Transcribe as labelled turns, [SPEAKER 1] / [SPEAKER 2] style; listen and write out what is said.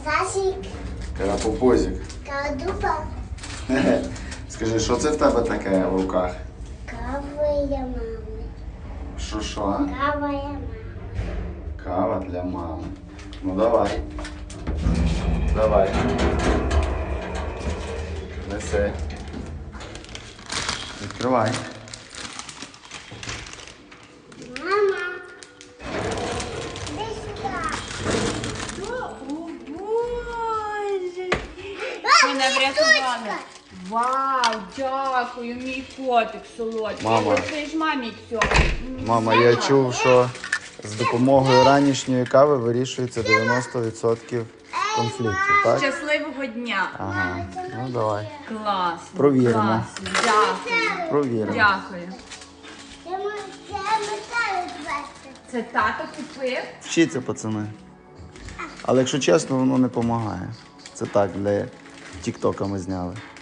[SPEAKER 1] Карасик.
[SPEAKER 2] Карапупузик.
[SPEAKER 1] Карадупа.
[SPEAKER 2] Скажи, що це в тебе таке в руках?
[SPEAKER 1] Кава для мами.
[SPEAKER 2] Що?
[SPEAKER 1] Кава для мами.
[SPEAKER 2] Кава для мами. Ну давай. Давай. Неси. Відкривай.
[SPEAKER 1] Мама. Іди сюди.
[SPEAKER 3] О, Боже! Мене врятували. Вау, дякую, мій котик солодкий.
[SPEAKER 2] Мама.
[SPEAKER 3] Це ж мамі цього.
[SPEAKER 2] Мама, я чув, що з допомогою ранішньої кави вирішується 90% конфліктів, так?
[SPEAKER 3] Щасливого дня.
[SPEAKER 2] Ага. Ну давай.
[SPEAKER 3] Класно.
[SPEAKER 2] Провіримо.
[SPEAKER 3] Класно. Дякую.
[SPEAKER 2] Провіримо.
[SPEAKER 3] Дякую.
[SPEAKER 1] Я металю звести.
[SPEAKER 3] Це тато купив?
[SPEAKER 2] Вчіться, пацани. Але якщо чесно, воно не допомагає. Це так, для тіктока ми зняли.